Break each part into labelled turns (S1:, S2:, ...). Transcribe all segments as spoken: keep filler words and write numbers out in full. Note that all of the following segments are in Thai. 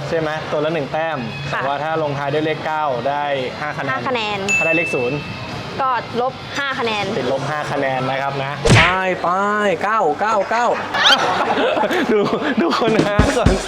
S1: ใช่ไหมตัวละหนึ่งแต้มแต่ว่าถ้าลงท้ายด้วยเลขเก้าได้ห้าคะแนน
S2: ห้าคะแนน
S1: ถ้าได้เลขศูนย์
S2: ก็ลบห้าคะแนน
S1: ติดลบห้าคะแนนนะครับนะไปไปเก้าเก้าเก้าดูดูคนหาก่อน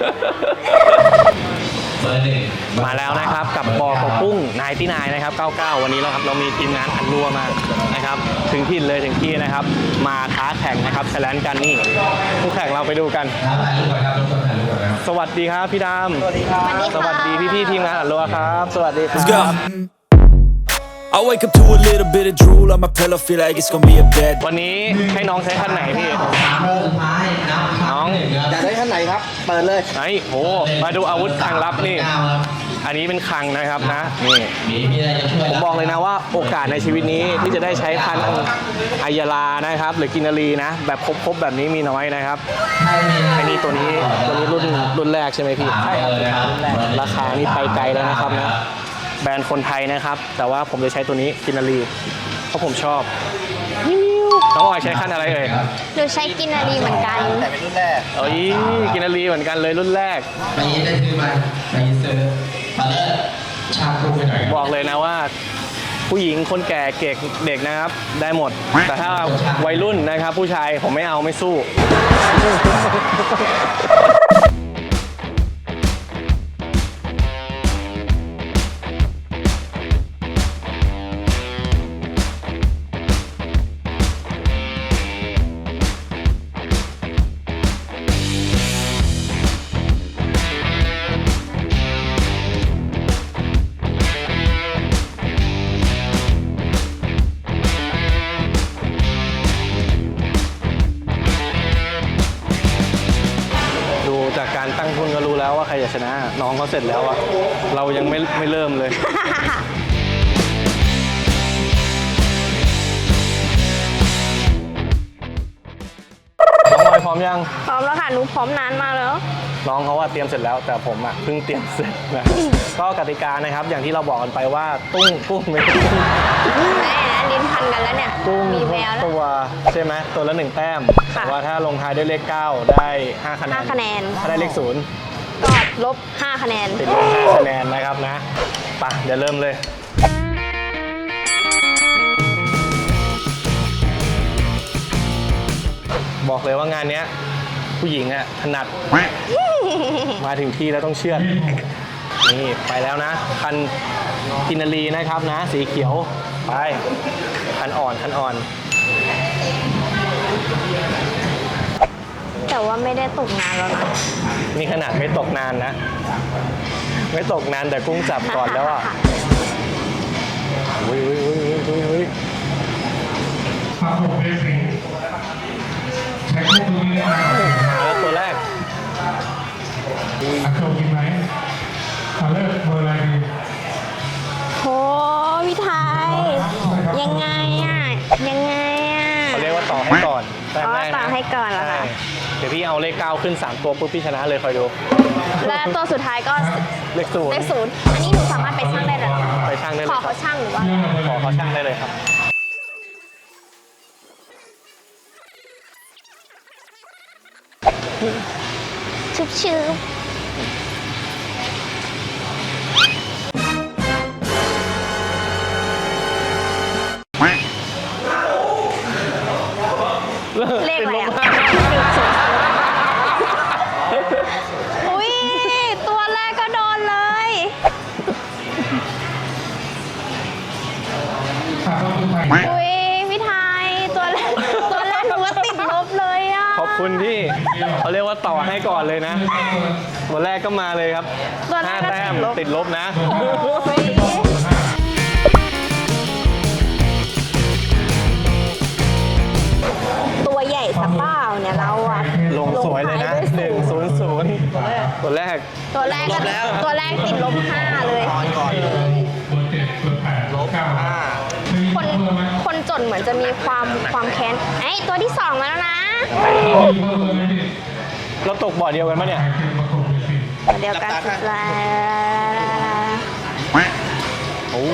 S1: มาแล้วนะครับกับบอกกับกุ้งนายที่นายนะครับเก้าเก้าวันนี้เราครับเรามีทีมงานอันรัวมานะครับถึงถิ่นเลยถึงที่นะครับมาท้าแข่งนะครับแชร์กันนี่ผู้แข่งเราไปดูกันสวัสดีครับพี่ดำสวัสดีครับสวัสดีพี่พี่ทีมงานอันรัวครับสวัสดีครับ
S3: I wake up to a little bit of drool on my pillow, feel like it's gonna be a bad.
S1: วันนี้ให้น้องใช้คันไหนพี่น้อง
S4: อยากได้คันไหนครับเปิดเลย
S1: ไอ้โหมาดูอาวุธคลังลับนี่อันนี้เป็นคลังนะครับนะนี่ผมบอกเลยนะว่าโอกาสในชีวิตนี้ที่จะได้ใช้คันอายาลานะครับหรือกินนารีนะแบบครบๆแบบนี้มีน้อยนะครับไอ้นี่ตัวนี้ตัวนี้รุ่นรุ่นแรกใช่ไหมพี่ใช่ครับรุ่นแรกราคานี่ไปไกลแล้วนะครับนะแบรนด์คนไทยนะครับแต่ว่าผมจะใช้ตัวนี้กินนารีเพราะผมชอบน้องออยใช้คันอะไรเอ่ย
S2: หนูใช้กินนารีเหมือนกัน
S4: แต่เป็นรุ่นแรก
S1: เอ้ยกินนารีเหมือนกันเลยรุ่นแรก
S5: ไปยี้ได้ซื้อมาไปยี้ซื้อมาเลยชาคูไปหน่อย
S1: บอกเลยนะว่าผู้หญิงคนแก่เด็กเด็กนะครับได้หมดแต่ถ้าวัยรุ่นนะครับผู้ชายผมไม่เอาไม่สู้จากการตั้งทุนก็รู้แล้วว่าใครจะชนะน้องเขาเสร็จแล้วอะเรายังไม่ไม่เริ่มเลยน้องออยพร้อมยัง
S2: พร้อมแล้วค่ะหนูพร้อมนานมากแล้ว
S1: น้องเขาว่าเตรียมเสร็จแล้วแต่ผมอะเพิ่งเตรียมเสร็จนะก็กติกานะครับอย่างที่เราบอกกันไปว่าตุ้งตุ้งไม่ตุ้ง
S2: แม่นะลิ้นพันกันแล้วเนี่ย
S1: ตุ้ง
S2: มีแววแล้ว
S1: ตัวใช่ไหมตัวละหนึ่งแต้มแต่ว่าถ้าลงท้ายด้วยเลขเก้าได้ห้าคะแนน
S2: ห้าคะแนน
S1: ถ้าได้เลขศูนย์
S2: ก็ลบห้าคะแนน
S1: ติดลบห้าคะแนนนะครับนะไปเดี๋ยวเริ่มเลยบอกเลยว่างานนี้ผู้หญิงอะถนัดมาถึงที่แล้วต้องเชื่อนี่ไปแล้วนะคันกินนารีนะครับนะสีเขียวไปคันอ่อนคันอ่อน
S2: แต่ว่าไม่ได้ตกนานแล้วนะ
S1: นี่ขนาดไม่ตกนานนะไม่ตกนานแต่กุ้งจับก่อนแล้วอ่ะอุ้ยอุ้ยอุ้ยอุ้ยอุ้ย
S6: ครับผมเบสิกใช้คู่ตัวนี้มา
S1: แล้วตัวแรก
S6: อัดโชว์กินไหมเอาเลิกเบอร์อะไรดี
S2: โหพี่ไทยยังไงอ่ะยังไงอ่ะ
S1: เขาเรียกว่าต่อให้ก่อน
S2: อ๋อต่อให้ก่อนเหรอคะ
S1: เดี๋ยวพี่เอาเลขเก้าขึ้นสามตัวปุ๊บพี่ชนะเลยคอยดู
S2: และตัวสุดท้ายก็
S1: เลขศูนย์
S2: เลขศูนย์อันนี้หนูสามารถไปช่างได้เลย
S1: ไปช่างได้เลย
S2: ขอเขาช่างหรือว่า
S1: ขอเขาช่างได้เลยครับ
S2: ชุบชื้อเลขอะไรอ่ะอุ้ยตัวแรกก็โดนเลยอุ้ยพี่ไทยตัวแรกตัวแรกหนูว่าติดลบเลยอ่ะ
S1: ขอบคุณพี่เขาเรียกว่าต่อให้ก่อนเลยนะตัวแรกก็มาเลยครับห้าแต้มติดลบนะ
S2: ตัวใหญ่สักเปล่าเนี่ยเราอะ
S1: ลงสวยเลยนะหนึ่งศูนย์ศูนย์ตัวแรก
S2: ตัวแรกก็ตัวแรกติดลบห้าเลย
S6: ก่อนเลยเบอร์เจ็ดเบอร์แปดลบห้า
S2: คนคนจนเหมือนจะมีความความแค้นไอ้ตัวที่สองมาแล้วนะ
S1: เราตกบ่อเดียวกันปะเนี่ย
S2: เดียวกันสุดแล้ว
S1: โอ้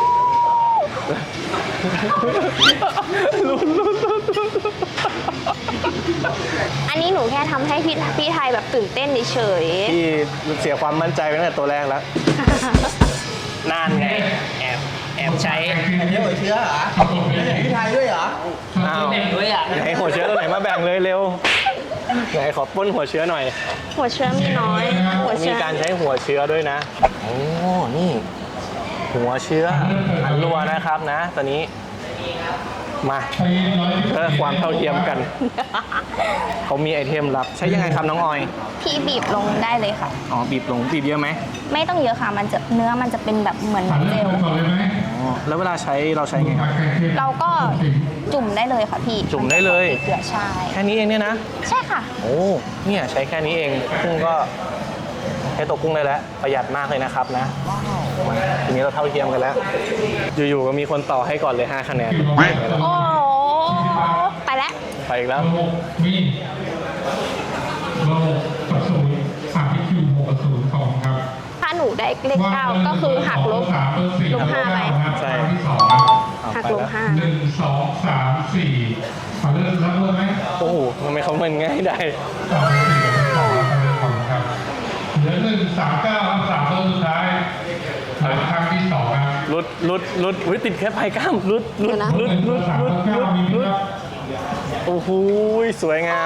S1: ลุ้นลุ้นลุ้น
S2: อันนี้หนูแค่ทำให้พี่พี่ไทยแบบตื่นเต้นเฉย
S1: พี่เสียความมั่นใจไปตั้งแต่ตัวแรกแล้ว
S2: ๆ
S1: นานไง แอบ แอบใช้
S4: อันนี้หัวเชื้อเหรอไม่ใช่พี่ไทยด้วยเหรอ
S1: อ้าวไหนหัวเชื้อตัวไหนมาแบ่งเลยเร็ว ไหนขอปล้นหัวเชื้อหน่อย
S2: หัวเชื้อมีน้อย หัว
S1: มี
S2: เชื้อ
S1: การใช้หัวเชื้อด้วยนะ โอ้ นี่ หัวเชื้ออันรัวนะครับนะ ตอนนี้ มา
S6: ใช้ร้อย
S1: เพื่อความเท่าเทียมกัน เขามีไอเทมลับ ใช้ยังไงครับน้องออย
S2: พี่บีบลงได้เลยค่ะ
S1: อ๋อ บีบลง บีบเยอะไหม
S2: ไม่ต้องเยอะค่ะ มันจะเนื้อมันจะเป็นแบบเหมือน
S6: ผ่าน
S2: เจ
S6: เริ่ม
S2: ล
S6: ก่อนเลยไหม
S1: อ๋อ แล้วเวลาใช้เราใช้ไงครับ
S2: เราก็จุ่มได้เลยค่ะพี่
S1: จุ่มได้เลย
S2: เกลือใช่
S1: แค่นี้เองเนี่ยนะ
S2: ใช่ค่ะ
S1: โอ้ เนี่ยใช้แค่นี้เองกุ้งก็ใช้ตัวกุ้งได้แล้ว ประหยัดมากเลยนะครับนะมาทีนี้เราเท่าเทียมกันแล้ว อยู่ๆก็มีคนต่อให้ก่อนเลยห้าคะแนน
S2: โอ้ไปแล้ว
S1: ไปอีกแล้ว
S6: ระบบมีระบบกับศูนย์สามที่คิวหกกับศูนย์สองครับ
S2: ถ้าหนูได้เลขเก้าก็คือหักลบ
S6: สามเบอร์สี่
S2: ลบห้าไป
S1: ใช่
S6: ครั้งที่สองครับ
S1: เอา
S2: หัก
S1: ไป
S2: ลบ
S1: แล้ว
S2: ห้า
S6: หนึ่งสองสามสี่ผ่านเริ่มรับเริ่มไหม
S1: โอ้โหทำไมเขาเมินง่ายได้
S6: สามเบอร์สี่กับสองครับเริ่มก่อนครับเหลือหนึ่งสามเก้าครับสามเบอร์สุดท้ายหลังครั้งที่สองครับ
S1: ลุดลุดลุดอุ้ยติดแค่ปลายกล้ามลุดลุดลุด
S6: หนึ่ง
S1: ลุด
S6: สาม
S1: ลุด
S6: เก้า
S1: ลุด
S6: มีไหม
S1: ลุด
S6: ครับ
S1: โอ้โหสวยงาม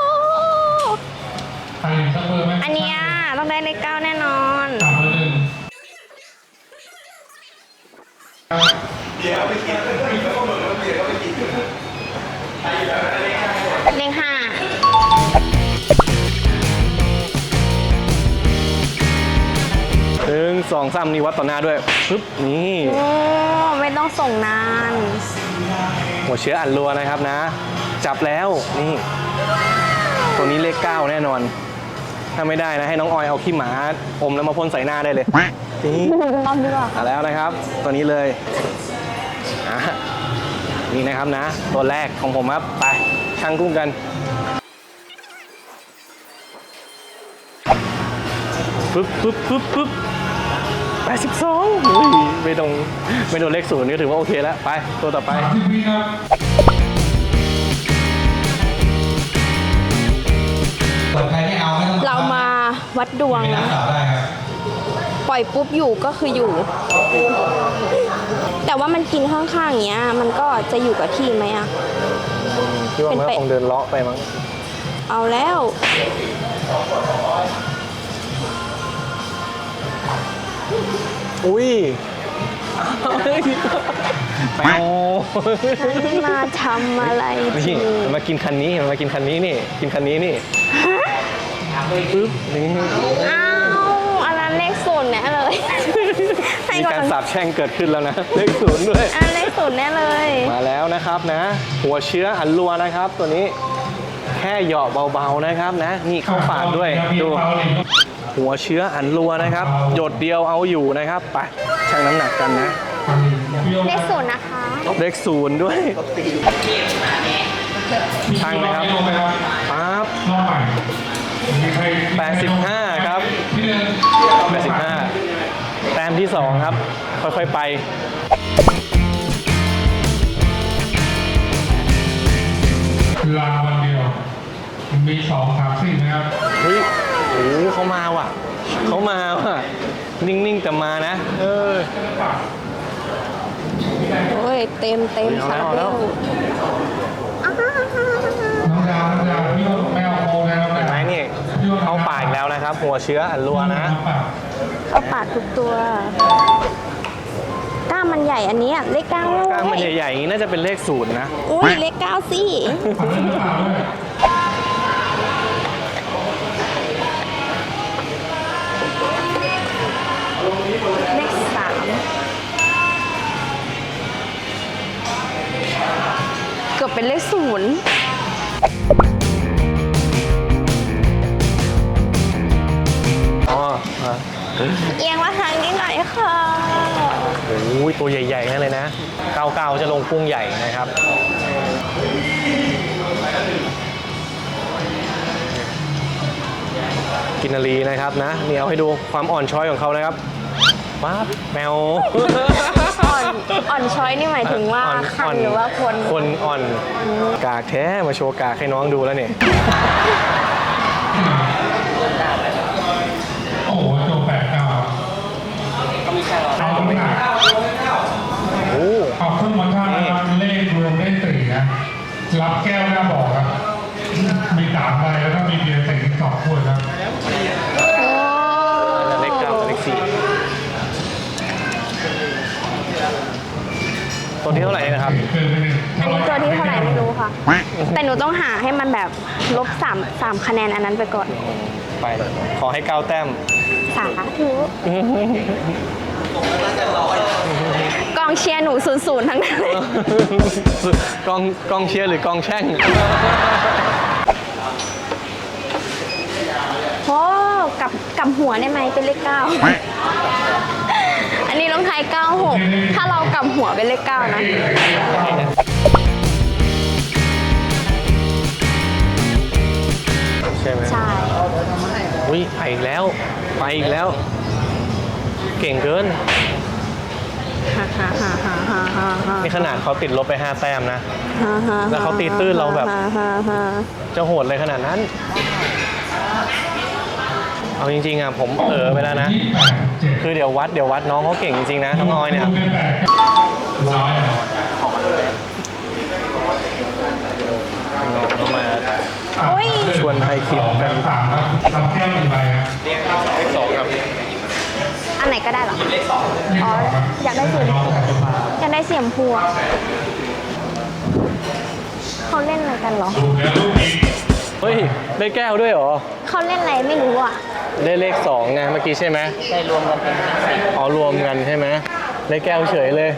S6: ใครเห็นสักเบอร์ไหม
S2: อันเนี้ยต้องได้เลขเก้าแน่นอน
S6: สามเบอร์หนึ่ง
S2: เลขห้า
S1: หนึ่งสองสามนี่วัดต่อหน้าด้วยปึ๊บนี่
S2: โอ้ไม่ต้องส่งนาน
S1: หัวเชื้ออันรัวนะครับนะ จับแล้วนี่ ตัวนี้เลขเก้าแน่นอน ถ้าไม่ได้นะให้น้องออยเอาขี้หมาอมแล้วมาพ่นใส่หน้าได้เลยนี่
S2: รอบดีกว่า
S1: มาแล้วนะครับ ตัวนี้เลยอ่ะนี่นะครับนะ ตัวแรกของผมครับไปช่างกุ้งกันปึ๊บปึ๊บปึ๊บปึ๊บแปดสิบสองอุ้ยไม่ตรงไม่โดนเลขศูนย์ก็ถือว่าโอเคแล้วไปตัวต่อไป
S6: สามสิบวิครับ
S5: เปิดใครไม่เอาไม่ต้อง
S2: เรามาวัดดวง
S5: ไม่รั
S2: นะ
S5: กษาได้ครับ
S2: ปล่อยปุ๊บอยู่ก็คืออยู่ แต่ว่ามันกินข้างๆอย่างเงี้ย มันก็จะอยู่กับที่ไหมอะ
S1: คิดว่ามันก็คงเดินเลาะไปมั้ง
S2: เอาแล้ว
S1: อุ้ยแมว
S2: มาทำอะไร
S1: นี่
S2: ที
S1: มันมากินคันนี้มันมากินคันนี้นี่ กินคันนี้นี่ปึ๊บนี่
S2: อ้าวอันนั้นเลขศูนย์แน่เลยให้
S1: มี
S2: ก่อ
S1: การ
S2: น
S1: สาบแช่งเกิดขึ้นแล้วนะ เลขศูนย์ด้วย
S2: อันเลขศูนย์แน่เลย
S1: มาแล้วนะครับนะ หัวเชื้ออันรัวนะครับ ตัวนี้แค่เหยาะเบาๆนะครับนะ นี่เข้าปากด้วยดู หัวเชื้ออันรัวนะครับ หยดเดียวเอาอยู่นะครับไปชั่งน้ำหนักกันนะ
S2: เลขศูนย์นะคะ
S1: เลขศูนย์ด้วยชั่งนะครับ
S6: ลงไปครับ
S1: ปั๊บ
S6: รอบใหม่มีใคร
S1: แปดสิบห้าครับ
S6: ที่หนึ่ง
S1: แปดสิบห้าแต้มที่สองครับ ค่อยๆไป
S6: ลาวันเดียว มีสองสามสี่นะครับ
S1: เฮ้ยโอ้โหเขามาว่ะ เขามาว่ะ นิ่งๆแต่มานะ เออ
S2: โอ้ยเต็มเต็ม
S1: เอา
S2: ค่ะ
S1: แล้วเอาแล้ว
S6: น้องดาวน้องดาวพี่ว่าไม่เอาโคแล้ว
S1: เห็นไหมนี่ เข้าปากอีกแล้วนะครับ หัวเชื้ออันรัวนะ
S2: เข้าปากทุกตัวกล้ามมันใหญ่อันเนี้ยเลขเก้าเลย
S1: กล้ามมันใหญ่ๆอย่างนี้น่าจะเป็นเลขศูนย์นะ
S2: อุ้ยเลขเก้าสิ
S6: ผ่านเรื่องเปล่าด้วย
S2: เลขสามเกือบเป็นเลขศูนย์
S1: อ๋ออ่ะ
S2: เอียงมาทางนี้หน่อยค่ะ
S1: โอ้ยตัวใหญ่ๆนั่นเลยนะเก้าเก้าจะลงกุ้งใหญ่นะครับ กินนารีนะครับนะนี่เอาให้ดูความอ่อนช้อยของเขานะครับป๊าบแมว
S2: อ่อนอ่อนช้อยนี่หมายถึงว่า
S1: อ่อน
S2: คัน
S1: อ่อน
S2: หรือว่าคน
S1: คนอ่อนกากแท้มาโชว์กากให้น้องดูแล้วเนี่ย
S6: โอ้โหโจแปดเก้าเอาน้ำหนัก
S1: โอ้
S6: เอาขึ้นมาท่านะครับเลขรวมได้สี่นะรับแก้วหน้าบอกครับมีสามใบแล้วก็มีเบียร์ใส่อีกสองขวดครับ
S2: โอ้
S1: เลขเก้ากับเลขสี่ตัวที่เท่าไหร่นะครับ
S6: เกินไปหนึ่ง
S2: อันนี้ตัวที่เท่าไหร่ไม่รู้ค่ะ แต่หนูต้องหาให้มันแบบลบสามสามคะแนนอันนั้นไปก่อน
S1: ไปขอให้เก้าแต้ม
S2: สาธุกองเชียร์หนูศูนย์ศูนย์ทั้งนั้นเลย
S1: กองกองเชียร์หรือกองแช่ง
S2: โอ้กลับกลับหัวได้ไหมเป็นเลขเก้า อันนี้ลงท้ายเก้าหกถ้าเรากลับหัวเป็นเลขเก้านะ
S1: ใช่ไหม
S2: ใช่
S1: อุ้ยไปอีกแล้ว ไปอีกแล้ว เก่งเกิน
S2: ฮ่าฮ่าฮ่าฮ่าฮ่าฮ่าฮ่า
S1: นี่ขนาดเขาติดลบไปห้าแต้มนะ
S2: ฮ่าฮ่า
S1: แล้วเขาตีตื้นเราแบบ
S2: ฮ่าฮ่าฮ่า
S1: จะโหดเลยขนาดนั้น เอาจริงๆอ่ะผมเออไปแล้วนะ
S6: ยี่สิบแปดเจ็ด
S1: คือเดี๋ยววัดเดี๋ยววัดน้องเขาเก่งจริงๆนะน้องออยเนี่ย
S6: รวมได้แปดร้อย
S1: น้องมา
S2: โอ้ย
S1: ชวนไทยคิดกัน
S6: สามครับรับแก้วหนึ่งใบครับ
S1: เลขสองครับ
S2: อันไหนก็ได้เหรอ อ๋อ อยากได้เสียมอยากได้เสียมพูอะเขาเล่นอะไรกันเหรอ
S6: ดูแล้วลูกนี้
S1: เฮ้ยได้แก้วด้วยเหรอ
S2: เขาเล่นอะไรไม่รู้อ่ะ
S1: ได้เลขสองไงเมื่อกี้ใช่ไหมได้รวมกันเป็นอ๋อรวมกันใช่ไหมได้แก้วเฉยเลย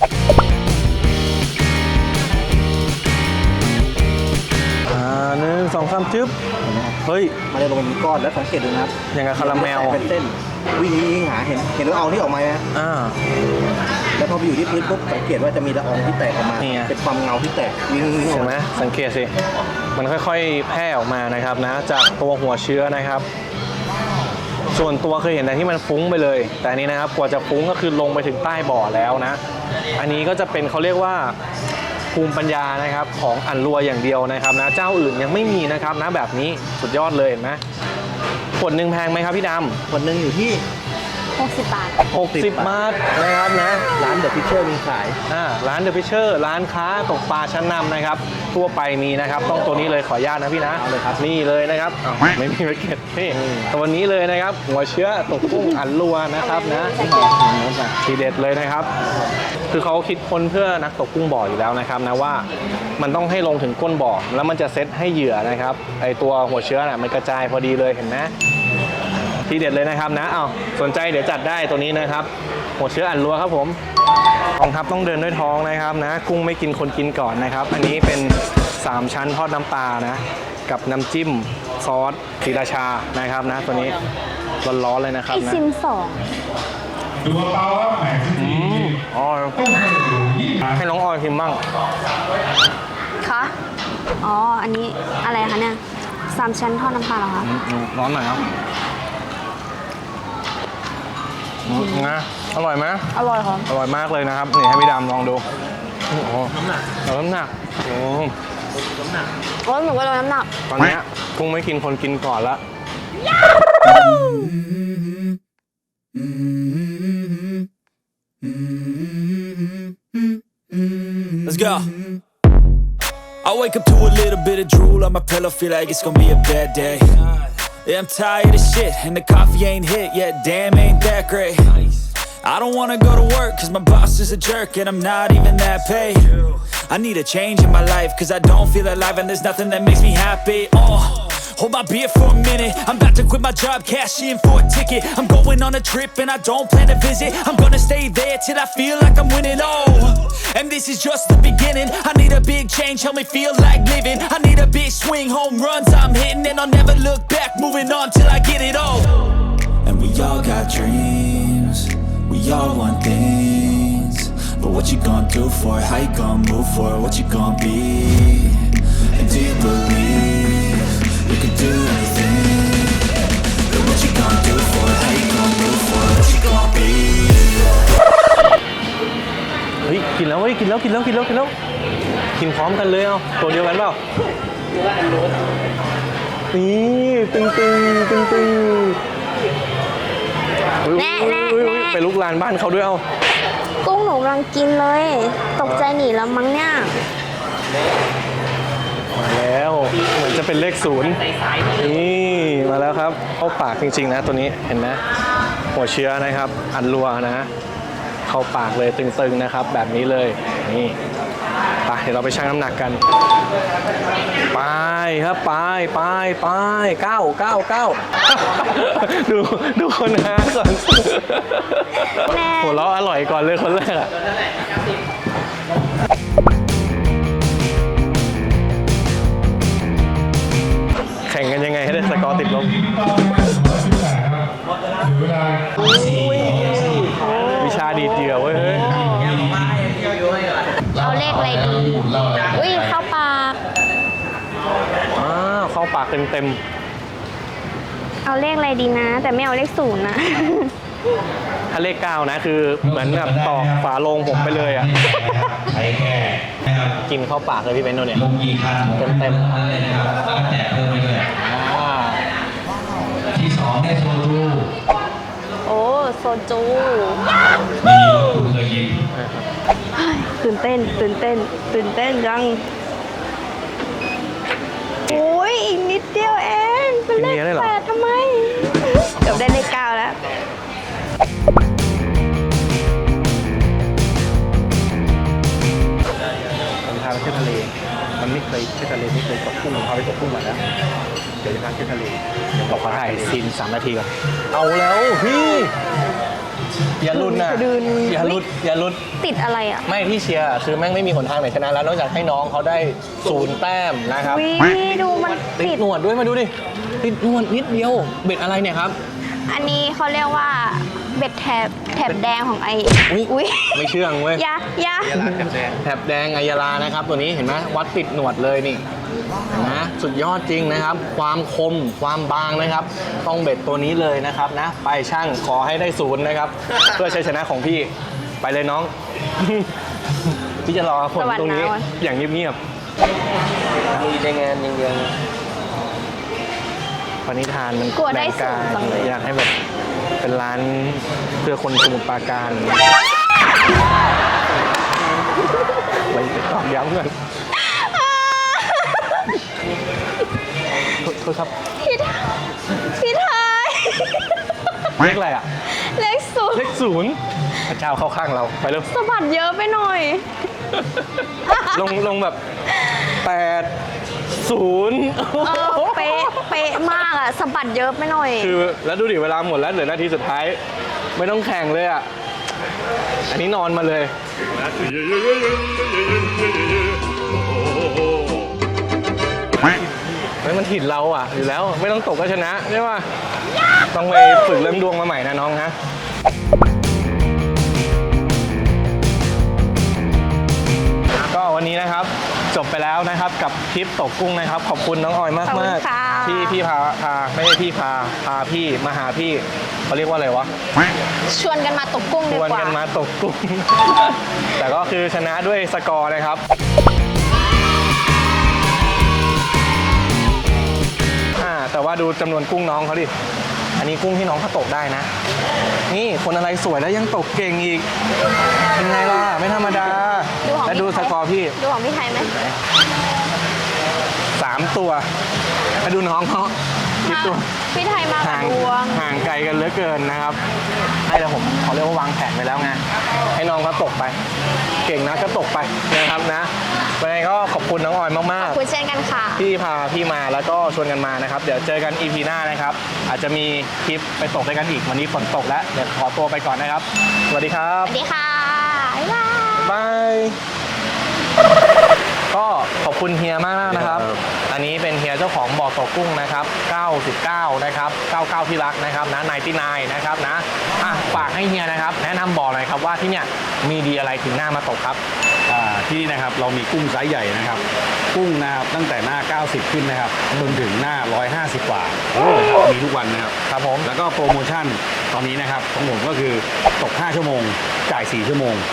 S1: อ่าหนึ่งสองสามจึ๊บเฮ้ย
S4: มันจะลงเป็นก้อนแล้วสังเกตดูนะครับ
S1: อย่างกับคาราเมล
S4: เป็นเส้นวิ่งวิ่งหาเห็นเห็นละอองที่ออกมาไหม
S1: อ่า
S4: แล้วพอไปอยู่ที่พื้นปุ๊บสังเกตว่าจะมีละอองที่แตกออกมา
S1: นี่ไง
S4: เป็นความเงาที่แตกวิ่งวิ่งออ
S1: เห็
S4: ก
S1: นไหม
S4: มา
S1: สังเกตสิมันค่อยๆแพร่ออกมานะครับนะจากตัวหัวเชื้อนะครับ ส่วนตัวเคยเห็นแต่ที่มันฟุ้งไปเลย แต่อันนี้นะครับกว่าจะฟุ้งก็คือลงไปถึงใต้บ่อแล้วนะ อันนี้ก็จะเป็นเขาเรียกว่าภูมิปัญญานะครับของอันรัวอย่างเดียวนะครับนะเจ้าอื่นยังไม่มีนะครับนะแบบนี้สุดยอดเลยเห็นไหมขวดหนึ่งแพงไหมครับพี่ด
S4: คนหนึ่งอยู่ที่
S2: หกสิบบาท
S1: ำหกสิบบาทนะครับนะ
S4: ร้านเดอะพิเชอร์มีขาย
S1: อ่าร้านเดอะพิเชอร์ร้านค้าตกปลาชั้นนำนะครับทั่วไปมีนะครับต้องตัวนี้เลยขออนุญาตนะพี่นะ
S4: เอาเลยครับ
S1: นี่เลยนะครับอ้าวไม่มีแพ็กเกจนี่ตัวนี้เลยนะครับหัวเชื้อตกกุ้งอันรัวนะครับนะทีเด็ดเลยนะครับ คือเขาคิดค้นเพื่อนักตกกุ้งบ่ออยู่แล้วนะครับนะว่ามันต้องให้ลงถึงก้นบ่อแล้วมันจะเซตให้เหยื่อนะครับไอตัวหัวเชื้อน่ะมันกระจายพอดีเลยเห็นไหมทีเด็ดเลยนะครับนะเอาสนใจเดี๋ยวจัดได้ตัวนี้นะครับหัวเชื้ออันรัวครับผมกองทัพต้องเดินด้วยท้องนะครับนะกุ้งไม่กินคนกินก่อนนะครับ อันนี้เป็นสามชั้นทอดน้ำปลานะกับน้ำจิ้มซอสศรีราชานะครับนะตัวนี้ร้อนๆเลยนะค
S2: ไอ
S1: รับนะ
S2: ซิมสอง
S6: ดูกระเป๋าครับแหมสิบสี่
S1: อ๋อ
S6: ต้องให้อยู่ยี่สิบ
S1: ให้น้องออยพิมพ์บ้าง
S2: คะอ๋อ อันนี้อะไรคะเนี่ยสามชั้นทอดน้ำปลาเหรอคะ
S1: อืมร้อนหน่อยครับอืมนะอร่อยไหม
S2: อร่อยค่ะ
S1: อร่อยมากเลยนะครับ นี่ให้พี่ดำลองดูโอ้โหน้ำหนักน้ำหนักโอ้
S2: โอ้ยหนูก็ลดน้ำหนัก
S1: ตอนเนี้ยกุ้งไม่กินคนกินก่อนละ
S3: Let's go. I wake up to a little bit of drool on my pillow, feel like it's gonna be a bad day. Yeah, I'm tired of shit, and the coffee ain't hit yet, damn, ain't that great. I don't wanna go to work, cause my boss is a jerk, and I'm not even that paid. I need a change in my life, cause I don't feel alive, and there's nothing that makes me happy. Oh. Hold my beer for a minute, I'm about to quit my job, cash in for a ticket. I'm going on a trip and I don't plan to visit. I'm gonna stay there till I feel like I'm winning, oh. And this is just the beginning, I need a big change, help me feel like living. I need a big swing, home runs I'm hitting, and I'll never look back, moving on till I get it all. And we all got dreams, we all want things. But what you gonna do for it, how you gonna move for it, what you gonna be? And do you believe you can do anything? But what you gonna do for it? How you gonna move for it? What you gonna be?
S1: ยกินแล้วกินแล้วกินแล้วกินแล้วกินพร้อมกันเลยเอาตัวเดียวกันเปล่านี่ตึงตึงตึงตึงอุ๊ย
S2: แน่
S1: อุ๊ย
S2: แน่
S1: อุ๊ย
S2: แน่
S1: ไปลุกลานบ้านเขาด้วยเอา
S2: กุ้งหนูกำลังกินเลย ตกใจหนีแล้วมั้งเนี่ย
S1: มาแล้วเหมือนจะเป็นเลขศูนย์นี่มาแล้วครับเข้าปากจริงๆนะตัวนี้เห็นไหมหัวเชื้อนะครับ อันรัวนะเข้าปากเลยตึงๆนะครับ แบบนี้เลยนี่ไปเดี๋ยวเราไปชั่งน้ำหนักกันไปครับไปไปไปเก้าเก้าเก้าดูดูคนหาก่อน
S2: แน่
S1: หัวเราะอร่อยก่อนเลยคนแรกอะแข่งกันยังไงให้ได้สกอร์ติดลบ
S6: เวลา
S1: วิชาดีดเหยื่อเว้ยเฮ้ย
S2: เอาเลขอะไรดี อุ้ยเข้าปาก
S1: อ้าวเข้าปากเต็มเต็ม
S2: เอาเลขอะไรดีนะ แต่ไม่เอาเลขศูนย์นะ
S1: ๆถ้าเลขเก้านะคือเหมือนแบบตอกฝาโลงผมไปเลยอ่ะ
S5: ใช้แค่นะครับ
S1: กินเข้าปากเลยพี่เบนโดเนี่ย
S5: ลงกี่คัน
S1: เต็มๆ
S5: เลยนะครับแล้วก็แจกเพิ่มไปด้วย
S1: อ่า
S5: ที่สองเนี่ยโซจู
S2: โอ้โซจู
S5: มีคุณเคยกิน
S2: ตื่นเต้น ตื่นเต้น ตื่นเต้นจัง โอ้ยอีกนิดเดียวเองเป็นเลขแปดทำไม เกือบได้เลขเก้าแล้ว
S4: ผมพาไปเที่ยวทะเล มันไม่เคยเที่ยวทะเลไม่เคยตกกุ้งผมพาไปตกกุ้งมาแล้ว เดี๋ยวจะพาเที่ยวทะเลเดี๋ยว
S1: บอกขอถ่ายซีนสามนาทีก่อนเอาแล้วพี่อย่าลุ้นนะ
S2: ดึง
S1: อย่าลุ้นอย่าลุ้น
S2: ติดอะไรอ่ะ
S1: ไม่ที่เชียร์คือแม่งไม่มีหนทางไหนชนะแล้วนอกจากให้น้องเขาได้ศูนย์แต้มนะครับ
S2: วิดูมัน
S1: ติ
S2: ติ
S1: ด
S2: ด
S1: หนวดด้วยมาดูดิติดหนวดนิดเดียวเบ็ดอะไรเนี่ยครับ
S2: อันนี้เขาเรียกว่าเบ็ดแถบแถบแดงของไอ
S1: อุ๊ย
S2: อุ้ย
S1: ไม่เชื่องเว้ย
S2: ยะยะ
S1: แถบแดงอายาลานะครับตัวนี้เห็นไหมวัดติดหนวดเลยนี่เห็นไหมสุดยอดจริงนะครับ ความคมความบางนะครับ ต้องเบ็ดตัวนี้เลยนะครับนะไปช่างขอให้ได้ศูนย์นะครับ เพื่อชัยชนะของพี่ไปเลยน้อง พี่จะรอผลตรงนี้อย่างเงียบๆมีในงานอย่างเดียวปณิธานมัน
S2: กลัวได้
S1: แรงกา
S2: ศูนย์จังเลย
S1: อยากให้แบบเป็นร้านเพื่อคนสมุทรปราการไปตอกย้ำกันโทษครับ
S2: พี่ทพี่ไทย
S1: เลขอะไรอ่ะ
S2: เลขศูน
S1: เล
S2: ย์
S1: ขศูนย์พระเจ้าเข้าข้างเราไปเร็ว
S2: สะบัดเยอะไปหน่อย
S1: ลงลงแบบแปดศูนย์
S2: เออเป๊ะเป๊ะมากอะสะบัดเยอะไปหน่อย
S1: คือแล้วดูดิเวลาหมดแล้วเหลือนาทีสุดท้าย ไม่ต้องแข่งเลยอ่ะ อันนี้นอนมาเลยไม่มันถิ่นเราอ่ะ อยู่แล้วไม่ต้องตกก็ชนะใช่ป่ะต้องไปฝึกเรื่องดวงมาใหม่นะน้องฮะก็วันนี้นะครับจบไปแล้วนะครับกับคลิปตกกุ้งนะครับ ขอบคุณน้องออยมาก
S2: ขอบคุ
S1: มาก
S2: ณค่ะ
S1: ที่พี่พาพาไม่ใช่พี่พาพาพี่มาหาพี่เขาเรียกว่าอะไรวะ
S2: ชวนกันมาตกกุ้ง
S1: ช
S2: ดี
S1: วน
S2: กว่า
S1: กันมาตกกุ้ง แต่ก็คือชนะด้วยสกอร์นะครับอ่าแต่ว่าดูจำนวนกุ้งน้องเขาดิ อันนี้กุ้งที่น้องเขาตกได้นะ นี่คนอะไรสวยแล้วยังตกเก่งอีก เป็นไงล่ะ ไม่ธรรมดา
S2: ดูของ
S1: และดู
S2: พี่
S1: ส
S2: ไทย
S1: กอร์พี่
S2: ดูของพี่ไทยไหม
S1: สามตัวมาดูน้องเขาคิดตัว
S2: พี่ไทยมากับ
S1: ห่าง
S2: ดวง
S1: ห่างไกลกันเหลือเกินนะครับให้แต่ผมเขาเรียกว่าวางแผนไปแล้วไงให้น้องเขาตกไป เก่งนะก็ตกไปนะครับนะวันนี้ก็ขอบคุณน้องออยมาก
S2: ขอบคุณเช่นกันค่ะ
S1: ๆที่พาพี่มาแล้วก็ชวนกันมานะครับ เดี๋ยวเจอกัน อี พี หน้านะครับ อาจจะมีคลิปไปตกด้วยกันอีกวันนี้ฝนตกแล้วเดี๋ยวขอตัวไปก่อนนะครับสวัสดีครั
S2: ส
S1: บ
S2: วัสดีค่ะ บ๊ายบาย
S1: บาย ก็ขอบคุณเฮียมากนะครับ อันนี้เป็นเฮียเจ้าของบ่อตกกุ้งนะครับเก้าสิบเก้านะครับเก้าสิบเก้าที่รักนะครับนะนายที่นายนะครับนะอ่ะฝากให้เฮียนะครับ แนะนำบ่อหน่อยครับว่าที่เนี่ยมีดีอะไรถึงหน้ามาตกครับ
S7: อ่าที่นี่นะครับเรามีกุ้งไซส์ใหญ่นะครับ กุ้งนะครับตั้งแต่หน้า เก้าสิบ ขึ้นนะครับจนถึงหน้า หนึ่งร้อยห้าสิบ กว่านะครับมีทุกวันนะครับ
S1: ครับผม
S7: แล้วก็โปรโมชั่นตอนนี้นะครับของผมก็คือตก ห้า ชั่วโมง จ่าย สี่ ชั่วโมง
S1: อ่า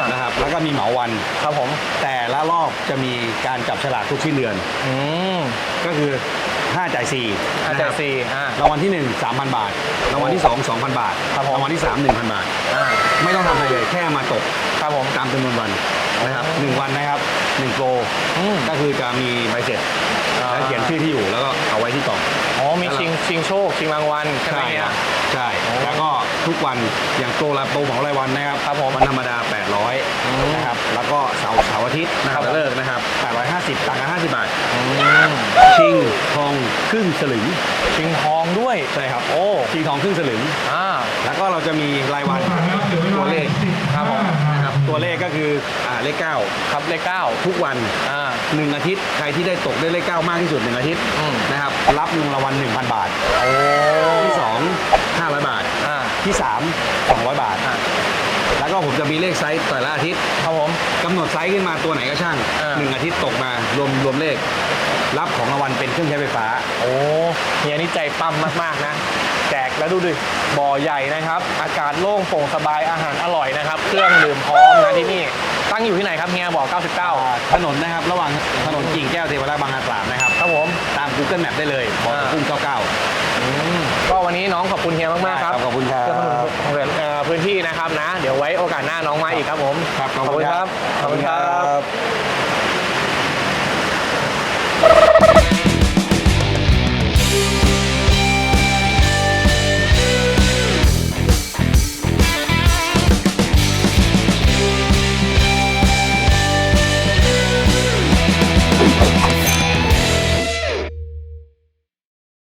S7: นะครับแล้วก็มีเหมาวัน
S1: ครับผม
S7: แต่ละรอบจะมีการจับฉลากทุกสิ้นเดือน
S1: อืม
S7: ก็คือห้าจ่ายสี่
S1: อาจารย์สี่อ่าร
S7: างวัลที่หนึ่ง สามพัน บาทรางวัลที่สอง สองพัน บาท
S1: ครับผม
S7: รางวัลที่สาม หนึ่งพัน บาท
S1: อ่า
S7: ไม่ต้องทำอะไรเลยแค่มาตก
S1: ครับผม
S7: ตามจำนวนวันนะครับหนึ่งวันนะครับหนึ่งโปร
S1: อืม
S7: ก็คือจะมีใบเสร็จ
S1: อ่า
S7: แล้วเขียนชื่อที่อยู่แล้วก็เอาไว้ที่กล่อง
S1: อ๋อมีชิงชิงโชคชิงรางวัลใช่ไหม
S7: ใช่
S1: เนี่
S7: ค
S1: ย
S7: รับใช่
S1: โอ้
S7: แล้วก็ทุกวันอย่างโปรละโปรของรายวันนะครับ
S1: ครับผม
S7: วันธรรมดา แปดร้อย
S1: อืม
S7: นะครับแล้วก็เสาร์เสาร์อาทิตย์นะครับ
S1: ครับ
S7: เลิกนะครับแปดร้อยห้าสิบต่างกันห้าสิบบาท
S1: อืม
S7: ชิงทองครึ่งสลึง
S1: ชิงทองด้วย
S7: ใช่ครับ
S1: โอ้
S7: ชิงทองครึ่งสลึง
S1: อ่า
S7: แล้วก็เราจะมีรายวันตัวเลข
S1: ครับผม
S7: นะครับตัวเลขก็คืออ่าเลขเก้า
S1: ครับเลขเก้า
S7: ทุกวัน
S1: อ่า
S7: หนึ่งอาทิตย์ใครที่ได้ตกได้เลขเก้ามากที่สุดหนึ่งอาทิตย์
S1: อืม
S7: นะครับรับเงินรางวัลหนึ่งพัน บาท
S1: โอ้
S7: ที่สองห้าร้อยบาท
S1: อ่า
S7: ที่สามสองร้อยบาท
S1: อ่า
S7: แล้วก็ผมจะมีเลขไซส์แต่ละอาทิตย์
S1: ครับผม
S7: กำหนดไซส์ขึ้นมาตัวไหนก็ช่าง
S1: อ่า
S7: หนึ่งอาทิตย์ตกมารวมรวมเลข รับของรางวัลเป็นเครื่องใช้ไฟฟ้า
S1: โอ้เฮียนี่ใจปั้มมากๆนะ แจกแล้วดูดิบ่อใหญ่นะครับ อากาศโล่งโปร่งสบายอาหารอร่อยนะครับ เครื่องดื่มพร้อมนะที่นี่ ตั้งอยู่ที่ไหนครับเฮียบอกเก้าสิบเก้า
S7: ถนนนะครับระหว่างถนนกิ่งแก้วเทวราชบางนาตราดนะครับ
S1: ครับผม
S7: ตาม Google Map ได้เลยบอก
S1: อ่า
S7: กุ้งเก้าเก้า
S1: อืมก็วันนี้น้องขอบคุณเฮียมากๆครับ
S7: ได้ครับขอบคุณครับ
S1: เพื่อสนับสนุนเอ่อพื้นที่นะครับนะ เดี๋ยวไว้โอกาสหน้าน้องมาอีกครับผม
S7: ครับขอบคุณครับ
S1: ขอบคุณครับ